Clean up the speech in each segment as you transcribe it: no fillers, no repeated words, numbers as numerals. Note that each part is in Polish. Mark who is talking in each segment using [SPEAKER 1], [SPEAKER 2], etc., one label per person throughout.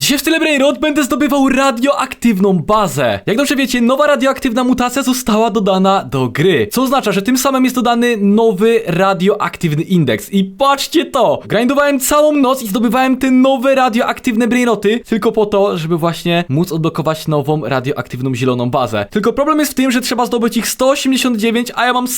[SPEAKER 1] Dzisiaj w tyle Brainrot będę zdobywał radioaktywną bazę. Jak dobrze wiecie, nowa radioaktywna mutacja została dodana do gry, co oznacza, że tym samym jest dodany nowy radioaktywny indeks. I patrzcie to! Grindowałem całą noc i zdobywałem te nowe radioaktywne Brainroty tylko po to, żeby właśnie móc odblokować nową radioaktywną zieloną bazę. Tylko problem jest w tym, że trzeba zdobyć ich 189, a ja mam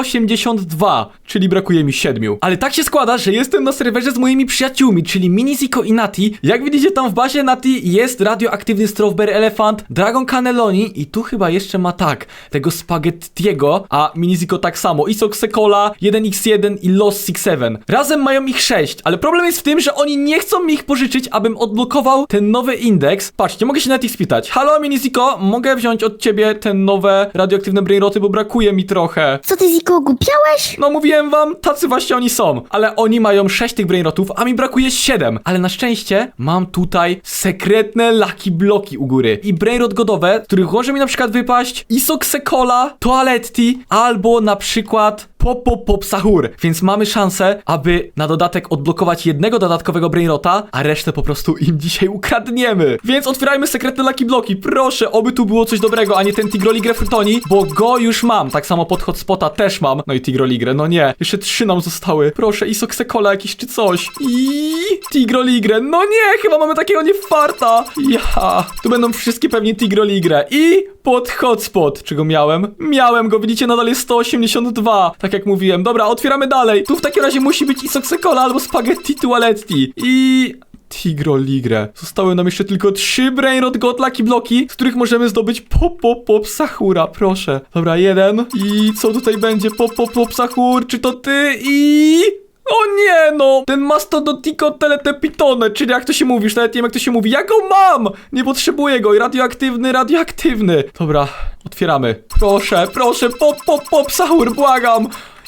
[SPEAKER 1] 182, czyli brakuje mi 7. Ale tak się składa, że jestem na serwerze z moimi przyjaciółmi, czyli Miniziko i Nati. Jak widzicie, tam w bazie Nati jest radioaktywny Strawberry Elephant, Dragon Cannelloni i tu chyba jeszcze ma tak, tego Spaghettiego, a Miniziko tak samo, Isoxecola, 1x1 i Lost 67. Razem mają ich 6, ale problem jest w tym, że oni nie chcą mi ich pożyczyć, abym odblokował ten nowy indeks. Patrzcie, mogę się Nati spytać. Halo Miniziko, mogę wziąć od ciebie te nowe radioaktywne Brainroty, bo brakuje mi trochę.
[SPEAKER 2] Co ty, Ziko, głupiałeś?
[SPEAKER 1] No mówiłem wam, tacy właśnie oni są. Ale oni mają 6 tych Brainrotów, a mi brakuje 7. Ale na szczęście mam tutaj sekretne Lucky Bloki u góry. I Brainrot godowe, z których może mi na przykład wypaść Isoxecola, Toaletti, albo na przykład Pop Sahur. Więc mamy szansę, aby na dodatek odblokować jednego dodatkowego Brainrota, a resztę po prostu im dzisiaj ukradniemy. Więc otwierajmy sekretne Lucky Bloki. Proszę, oby tu było coś dobrego, a nie ten Tigroligre Frutoni, bo go już mam. Tak samo pod Hotspota też mam. No i Tigroligre, no nie. Jeszcze 3 nam zostały. Proszę, Isoxecola jakiś czy coś. I Tigroligre. No nie, chyba mamy takiego niefarta. Ja. Tu będą wszystkie pewnie Tigroligre. I pod Hotspot. Czego miałem? Miałem go, widzicie, nadal jest 182. Tak jak mówiłem. Dobra, otwieramy dalej. Tu w takim razie musi być Isoxecola albo Spaghetti Toaletti. I Tigroligre. Zostały nam jeszcze tylko 3 Brainrot God Lucky Bloki, z których możemy zdobyć Pop Sahura. Proszę. Dobra, 1. I co tutaj będzie? Pop Sahur. Czy to ty? I... O nie no! Ten Mastodontico Teletepitone, czyli jak to się mówi, już nawet nie wiem jak to się mówi. Ja go mam! Nie potrzebuję go. I radioaktywny. Dobra, otwieramy. Proszę, Pop Sahur, błagam!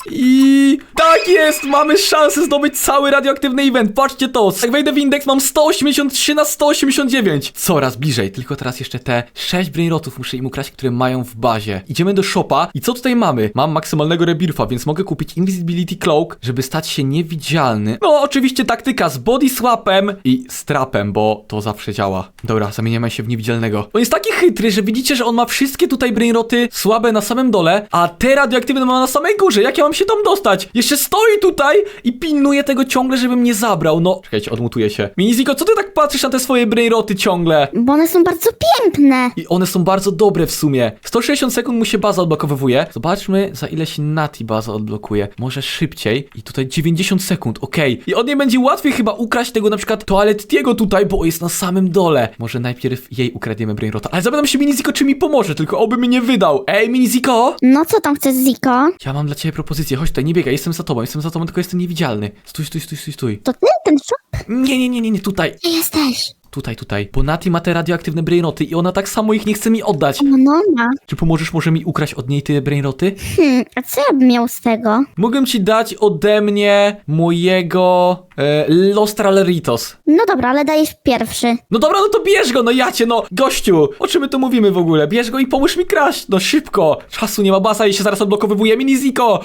[SPEAKER 1] I tak jest, mamy szansę zdobyć cały radioaktywny event. Patrzcie to, jak wejdę w indeks mam 183 na 189. Coraz bliżej, tylko teraz jeszcze te 6 Brainrotów muszę im ukraść, które mają w bazie. Idziemy do shopa i co tutaj mamy? Mam maksymalnego rebirfa, więc mogę kupić Invisibility Cloak, żeby stać się niewidzialny. No oczywiście taktyka z body swapem i strapem, bo to zawsze działa. Dobra, zamieniamy się w niewidzialnego. On jest taki chytry, że widzicie, że on ma wszystkie tutaj Brainroty słabe na samym dole, a te radioaktywne ma na samej górze. Jak ja mam się tam dostać? Jeszcze stoi tutaj i pilnuje tego ciągle, żebym nie zabrał. No, czekajcie, odmutuję się. Miniziko, co ty tak patrzysz na te swoje Brainroty ciągle?
[SPEAKER 2] Bo one są bardzo piękne.
[SPEAKER 1] I one są bardzo dobre w sumie. 160 sekund mu się baza odblokowywuje. Zobaczmy, za ile się Nati baza odblokuje. Może szybciej. I tutaj 90 sekund, okej. I od niej będzie łatwiej chyba ukraść tego na przykład Toalettiego tutaj, bo jest na samym dole. Może najpierw jej ukradniemy Brainrota. Ale zapytam się Miniziko, czy mi pomoże, tylko oby mi nie wydał. Ej, Miniziko!
[SPEAKER 2] No co tam chcesz, Ziko?
[SPEAKER 1] Ja mam dla ciebie propozycję. Chodź tutaj, nie biegaj, jestem za tobą, tylko jestem niewidzialny. Stój.
[SPEAKER 2] To ty, ten shop?
[SPEAKER 1] Nie, tutaj.
[SPEAKER 2] Gdzie jesteś?
[SPEAKER 1] Tutaj. Bo Nati ma te radioaktywne Brainroty i ona tak samo ich nie chce mi oddać.
[SPEAKER 2] No ma.
[SPEAKER 1] Czy pomożesz może mi ukraść od niej te Brainroty?
[SPEAKER 2] A co ja bym miał z tego?
[SPEAKER 1] Mogę ci dać ode mnie mojego Los Traleritos.
[SPEAKER 2] No dobra, ale dajesz pierwszy.
[SPEAKER 1] No dobra, no to bierz go, no jacie, no gościu, o czym my tu mówimy w ogóle? Bierz go i pomóż mi kraść, no szybko. Czasu nie ma, baza i się zaraz odblokowywuje. Miniziko!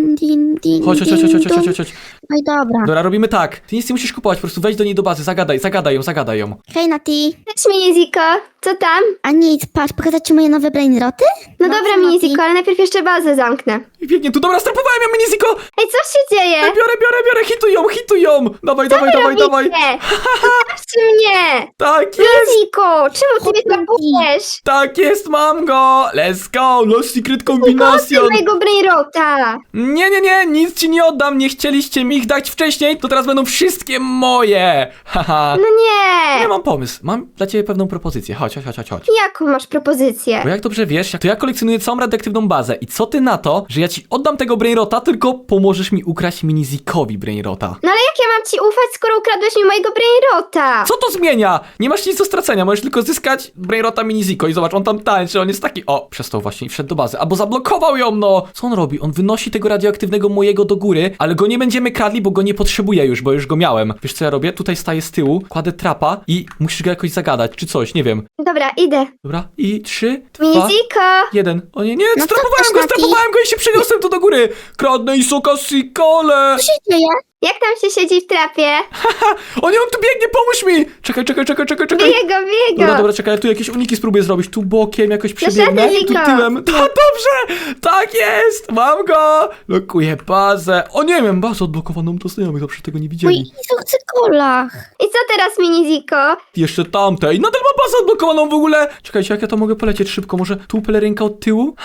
[SPEAKER 2] Din.
[SPEAKER 1] Chodź.
[SPEAKER 2] No i dobra.
[SPEAKER 1] Dobra, robimy tak. Ty nic nie musisz kupować, po prostu wejdź do niej do bazy, zagadaj ją.
[SPEAKER 2] Hej, Nati.
[SPEAKER 3] Cześć Miniziko, co tam?
[SPEAKER 2] A nic, patrz, pokazać ci moje nowe Brainroty?
[SPEAKER 3] No dobra
[SPEAKER 2] co, Nati?
[SPEAKER 3] Miniziko, ale najpierw jeszcze bazę zamknę.
[SPEAKER 1] I biegnie tu, dobra, strapowałem ją, Miniziko!
[SPEAKER 3] Ej, co się dzieje?
[SPEAKER 1] Biorę, hituj ją! Dawaj!
[SPEAKER 3] Nie, zostawcie mnie!
[SPEAKER 1] Tak jest!
[SPEAKER 3] Miniziko, czemu ty mnie tapujesz?
[SPEAKER 1] Tak jest, mam go! Let's go! Lost Secret
[SPEAKER 3] Koty
[SPEAKER 1] Combination!
[SPEAKER 3] mojego Brainrota!
[SPEAKER 1] Nie, nic ci nie oddam, nie chcieliście mi ich dać wcześniej, to teraz będą wszystkie moje! Haha.
[SPEAKER 3] No nie!
[SPEAKER 1] Ja mam pomysł, mam dla ciebie pewną propozycję, chodź.
[SPEAKER 3] Jaką masz propozycję?
[SPEAKER 1] Bo jak dobrze wiesz, to ja kolekcjonuję całą radioaktywną bazę i co ty na to, że ja ci oddam tego Brainrota, tylko pomożesz mi ukraść Minizikowi Brainrota?
[SPEAKER 3] No ale jak ja mam ci ufać, skoro ukradłeś mi mojego Brainrota?
[SPEAKER 1] Co to zmienia? Nie masz nic do stracenia, możesz tylko zyskać Brainrota Miniziko i zobacz, on tam tańczy, on jest taki... O, przestał właśnie i wszedł do bazy, albo zablokował ją, no! Co on robi? On wynosi tego radioaktywnego mojego do góry, ale go nie będziemy kradli, bo go nie potrzebuję już, bo już go miałem. Wiesz co ja robię? Tutaj staję z tyłu, kładę trapa i musisz go jakoś zagadać, czy coś, nie wiem.
[SPEAKER 3] Dobra, idę.
[SPEAKER 1] Dobra, i 3, 2,
[SPEAKER 3] Miniziko!
[SPEAKER 1] 1. O nie,
[SPEAKER 2] No co
[SPEAKER 1] strapowałem
[SPEAKER 2] chcesz,
[SPEAKER 1] go
[SPEAKER 2] Nati?
[SPEAKER 1] i się przeniosłem tu do góry! Kradnę Isoka Sikole!
[SPEAKER 2] Co się dzieje?
[SPEAKER 3] Jak tam się siedzi w trapie?
[SPEAKER 1] O nie, on tu biegnie, pomóż mi! Czekaj.
[SPEAKER 3] Bije go.
[SPEAKER 1] Dobra, czekaj, ja tu jakieś uniki spróbuję zrobić. Tu bokiem jakoś przebiegnę,
[SPEAKER 3] żadnych
[SPEAKER 1] tu
[SPEAKER 3] Ziko.
[SPEAKER 1] tyłem. Dobrze! Tak jest! Mam go! Lokuję bazę. O nie, miałem bazę odblokowaną do znajomych, zawsze tego nie
[SPEAKER 2] Mój
[SPEAKER 1] widzieli.
[SPEAKER 2] Izo chce kolach.
[SPEAKER 3] I co teraz, mini Ziko?
[SPEAKER 1] Jeszcze tamtej. Nadal ma bazę odblokowaną w ogóle. Czekajcie, jak ja to mogę polecieć szybko? Może tu pelerynka od tyłu?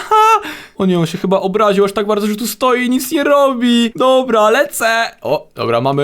[SPEAKER 1] O nie, on się chyba obraził aż tak bardzo, że tu stoi i nic nie robi. Dobra, lecę. O, dobra, mamy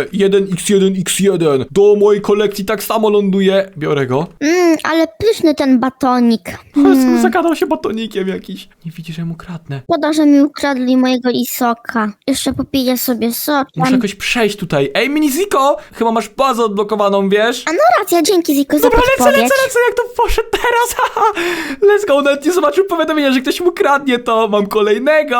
[SPEAKER 1] 1x1x1. Do mojej kolekcji tak samo ląduje. Biorę go.
[SPEAKER 2] Ale pyszny ten batonik.
[SPEAKER 1] Zagadał się batonikiem jakiś. Nie widzi, że mu kradnę.
[SPEAKER 2] Szkoda, że mi ukradli mojego Isoka. Jeszcze popiję sobie sok.
[SPEAKER 1] Muszę jakoś przejść tutaj. Ej, Miniziko! Chyba masz bazę odblokowaną, wiesz?
[SPEAKER 2] A no racja, dzięki Ziko za
[SPEAKER 1] Dobra,
[SPEAKER 2] podpowiedź.
[SPEAKER 1] lecę, jak to poszedł teraz, haha. Let's go, nawet nie zobaczył powiadomienia, że ktoś mu kradnie to. Mam kolejnego,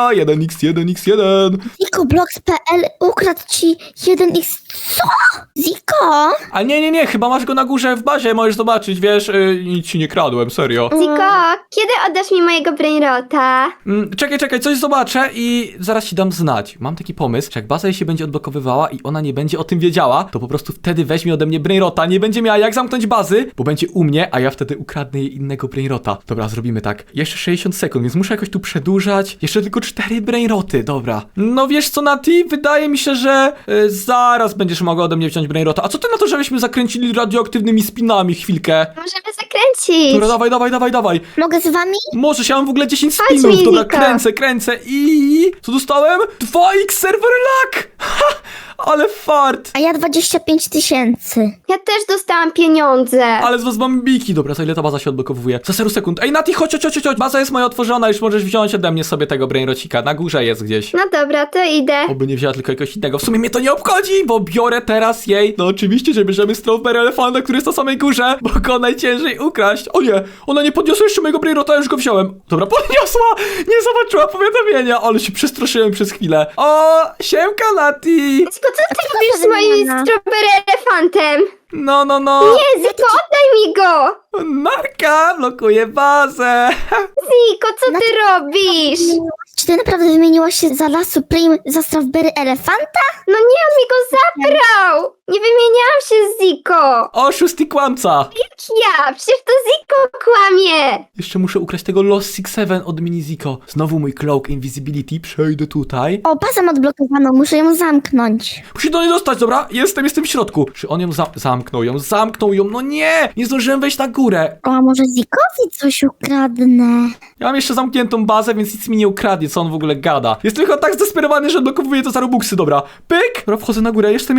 [SPEAKER 1] 1x1x1.
[SPEAKER 2] ZikoBlogs.pl ukradł ci 1x... Co? Ziko?
[SPEAKER 1] A nie, chyba masz go na górze w bazie, możesz zobaczyć, wiesz, nic ci nie kradłem, serio.
[SPEAKER 3] Ziko, kiedy oddasz mi mojego brainrota?
[SPEAKER 1] Czekaj, coś zobaczę i zaraz ci dam znać. Mam taki pomysł, że jak baza jej się będzie odblokowywała i ona nie będzie o tym wiedziała, to po prostu wtedy weźmie ode mnie brainrota, nie będzie miała jak zamknąć bazy, bo będzie u mnie, a ja wtedy ukradnę jej innego brainrota. Dobra, zrobimy tak. Jeszcze 60 sekund, więc muszę jakoś tu przedłużać. Jeszcze tylko 4 brainroty, dobra. No wiesz co, Nati? Wydaje mi się, że zaraz będziesz mogła ode mnie wziąć brainrota. A co ty na to, żebyśmy zakręcili radioaktywnymi spinami chwilkę?
[SPEAKER 3] Możemy zakręcić.
[SPEAKER 1] Dobra, dawaj.
[SPEAKER 2] Mogę z wami?
[SPEAKER 1] Możesz, ja mam w ogóle 10
[SPEAKER 3] Chodź,
[SPEAKER 1] spinów. Dobra,
[SPEAKER 3] Miziko.
[SPEAKER 1] kręcę i... Co dostałem? 2x server lag! Ha! Ale fart!
[SPEAKER 2] A ja 25 000.
[SPEAKER 3] Ja też dostałam pieniądze.
[SPEAKER 1] Ale z was mam biki. Dobra, za ile ta baza się odblokowuje? Za 0 sekund. Ej, Nati, chodź. Baza jest moja otworzona, już możesz wziąć ode mnie sobie tego brainrocika. Na górze jest gdzieś.
[SPEAKER 3] No dobra, to idę.
[SPEAKER 1] Oby nie wzięła tylko jakiegoś innego. W sumie mnie to nie obchodzi, bo biorę teraz jej. No oczywiście, że bierzemy Strawberry Elefanta, który jest na samej górze, bo go najciężej ukraść. O nie, ona nie podniosła jeszcze mojego brainrota, już go wziąłem. Dobra, podniosła! Nie zobaczyła powiadomienia, ale się przestraszyłem przez chwilę. O, siemka, Nati!
[SPEAKER 3] Ziko, co ty robisz z moim strawberry elefantem?
[SPEAKER 1] No.
[SPEAKER 3] Nie, Ziko, oddaj mi go!
[SPEAKER 1] Narka, blokuje bazę.
[SPEAKER 3] Ziko, co ty robisz?
[SPEAKER 2] Czy ty naprawdę wymieniłaś się za La Supreme za Strawberry Elefanta?
[SPEAKER 3] No nie, on mi go zabrał! Nie wymieniałam się z Ziko!
[SPEAKER 1] Oszust i kłamca.
[SPEAKER 3] Jak ja? Przecież to Ziko kłamie!
[SPEAKER 1] Jeszcze muszę ukraść tego Lost Six Seven od Miniziko. Znowu mój Cloak Invisibility. Przejdę tutaj.
[SPEAKER 2] O, bazę mam odblokowaną, muszę ją zamknąć.
[SPEAKER 1] Musi do niej dostać, dobra? Jestem w środku. Czy on ją zamknął ją? No nie! Nie zdążyłem wejść na górę.
[SPEAKER 2] O, a może Zikowi coś ukradnę?
[SPEAKER 1] Ja mam jeszcze zamkniętą bazę, więc nic mi nie ukradnie, co on w ogóle gada. Jest tylko tak zdesperowany, że odblokowuje to za robuxy, dobra. Pyk! Dobra, wchodzę na górę, jestem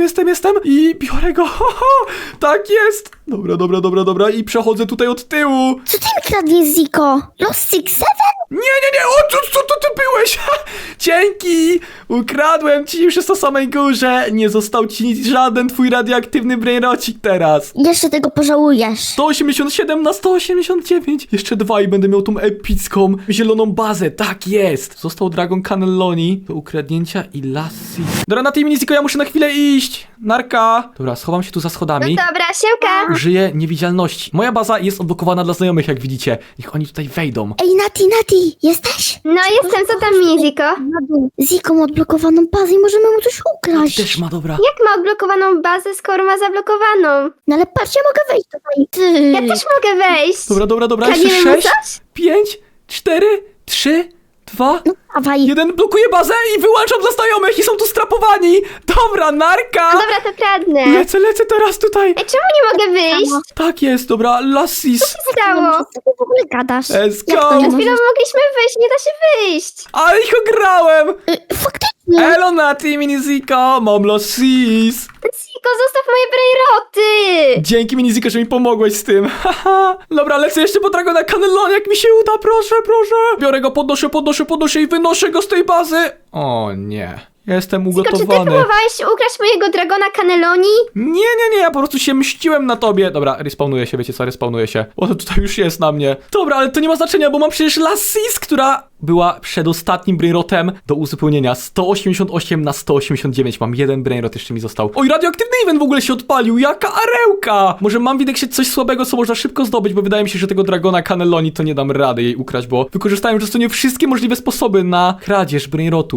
[SPEAKER 1] i biorę go. Tak jest! Dobra. I przechodzę tutaj od tyłu.
[SPEAKER 2] Co ty mi kradniesz, Ziko? Lost Six Seven?
[SPEAKER 1] Nie! O, co to ty byłeś? Dzięki! Ukradłem ci, już jest na samej górze. Nie został ci nic, żaden twój radioaktywny brainrocik teraz.
[SPEAKER 2] Jeszcze tego pożałujesz.
[SPEAKER 1] 187 na 189. Jeszcze 2 i będę miał tą epicką zieloną bazę. Tak jest. Został Dragon Cannelloni do ukradnięcia i Lassie. Dobra, na tej Miniziko ja muszę na chwilę iść. Narka. Dobra, schowam się tu za
[SPEAKER 3] No
[SPEAKER 1] schodami.
[SPEAKER 3] dobra, siemka!
[SPEAKER 1] Użyję niewidzialności. Moja baza jest odblokowana dla znajomych, jak widzicie. Niech oni tutaj wejdą.
[SPEAKER 2] Ej, Nati, jesteś?
[SPEAKER 3] No jestem, co tam, mini Ziko?
[SPEAKER 2] Na dół. Ziko ma odblokowaną bazę i możemy mu coś ukraść.
[SPEAKER 1] Też ma, dobra.
[SPEAKER 3] Jak ma odblokowaną bazę, skoro ma zablokowaną?
[SPEAKER 2] No ale patrz, ja mogę wejść tutaj. Ty.
[SPEAKER 3] Ja też mogę wejść!
[SPEAKER 1] Dobra. Jeszcze
[SPEAKER 3] Kradniemy mu
[SPEAKER 1] 6,
[SPEAKER 3] coś?
[SPEAKER 1] 5, 4, 3, 2,
[SPEAKER 2] No dawaj.
[SPEAKER 1] jeden blokuje bazę i wyłączam dla znajomych i są tu strapowani. Dobra, narka.
[SPEAKER 3] No dobra, to kradnę.
[SPEAKER 1] Lecę teraz tutaj.
[SPEAKER 3] Ej, czemu nie mogę wyjść?
[SPEAKER 1] Tak jest, dobra, Lassis.
[SPEAKER 3] Co stało?
[SPEAKER 2] Co ty w ogóle gadasz?
[SPEAKER 1] Let's
[SPEAKER 2] Jak
[SPEAKER 1] go.
[SPEAKER 2] to nie
[SPEAKER 3] Przed chwilą
[SPEAKER 2] możesz?
[SPEAKER 3] mogliśmy wyjść, nie da się wyjść.
[SPEAKER 1] Ale ich ograłem.
[SPEAKER 2] Faktycznie.
[SPEAKER 1] Elo, Nati, Miniziko, mam Lassis.
[SPEAKER 3] Ziko, zostaw moje brainroty!
[SPEAKER 1] Dzięki, Miniziko, że mi pomogłeś z tym. Haha. Dobra, lecę jeszcze po Dragona Cannelloni, jak mi się uda, proszę. Biorę go, podnoszę i wynoszę go z tej bazy. O nie. Jestem
[SPEAKER 3] Ziko, czy ty
[SPEAKER 1] ugotowany.
[SPEAKER 3] próbowałeś ukraść mojego Dragona Cannelloni?
[SPEAKER 1] Nie, ja po prostu się mściłem na tobie. Dobra, respawnuję się, wiecie co, respawnuję się. Bo to tutaj już jest na mnie. Dobra, ale to nie ma znaczenia, bo mam przecież Lassis, która była przedostatnim brainrotem do uzupełnienia. 188 na 189. Mam jeden brainrot, jeszcze mi został. Oj, radioaktywny event w ogóle się odpalił. Jaka arełka! Może mam widać się coś słabego, co można szybko zdobyć, bo wydaje mi się, że tego Dragona Cannelloni to nie dam rady jej ukraść, bo wykorzystałem już nie wszystkie możliwe sposoby na kradzież brainrotów.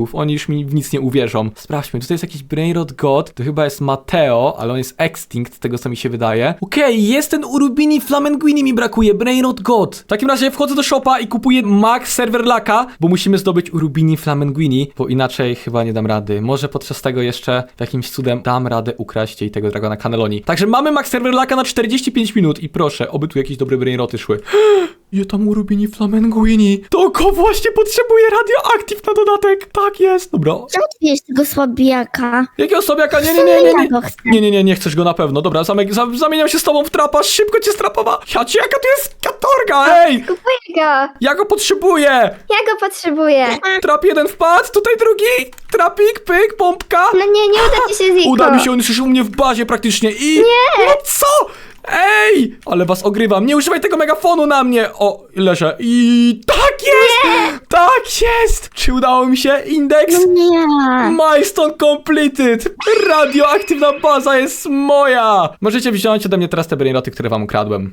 [SPEAKER 1] brainrotów. Oni już mi w nic nie uwierzą. Sprawdźmy, tutaj jest jakiś brainrot god. To chyba jest Mateo, ale on jest extinct, z tego co mi się wydaje. Okej, jest ten Urubini Flamenguini mi brakuje. Brainrot god. W takim razie wchodzę do shopa i kupuję max server laka, bo musimy zdobyć Urubini Flamenguini, bo inaczej chyba nie dam rady. Może podczas tego jeszcze jakimś cudem dam radę ukraść jej tego dragona Cannelloni. Także mamy max server laka na 45 minut i proszę, oby tu jakieś dobre brainroty szły. Je tam Urubini Flamenguini. To oko właśnie potrzebuje radioaktyw na dodatek. Tak jest. Dobra.
[SPEAKER 2] Czemu ty wiesz tego słabiaka?
[SPEAKER 1] Jakiego sobiaka? Nie, nie, nie, nie, nie. Nie chcesz go na pewno. Dobra, zamieniam się z tobą w trapa. Szybko cię strapowa. Ja cię, jaka tu jest katorga, ej!
[SPEAKER 3] Kupuję go.
[SPEAKER 1] Ja go potrzebuję.
[SPEAKER 3] Ja go potrzebuję.
[SPEAKER 1] Trap jeden wpadł, tutaj drugi. Trapik, pyk, pompka.
[SPEAKER 3] No nie uda ci się, Ziko.
[SPEAKER 1] Uda mi się, on już u mnie w bazie praktycznie i... Nie! No co? Ej! Ale was ogrywam, nie używaj tego megafonu na mnie! O, leżę i... Tak jest! Nie! Tak jest! Czy udało mi się? Indeks?
[SPEAKER 2] No nie.
[SPEAKER 1] Milestone completed! Radioaktywna baza jest moja! Możecie wziąć ode mnie teraz te brainroty, które wam ukradłem.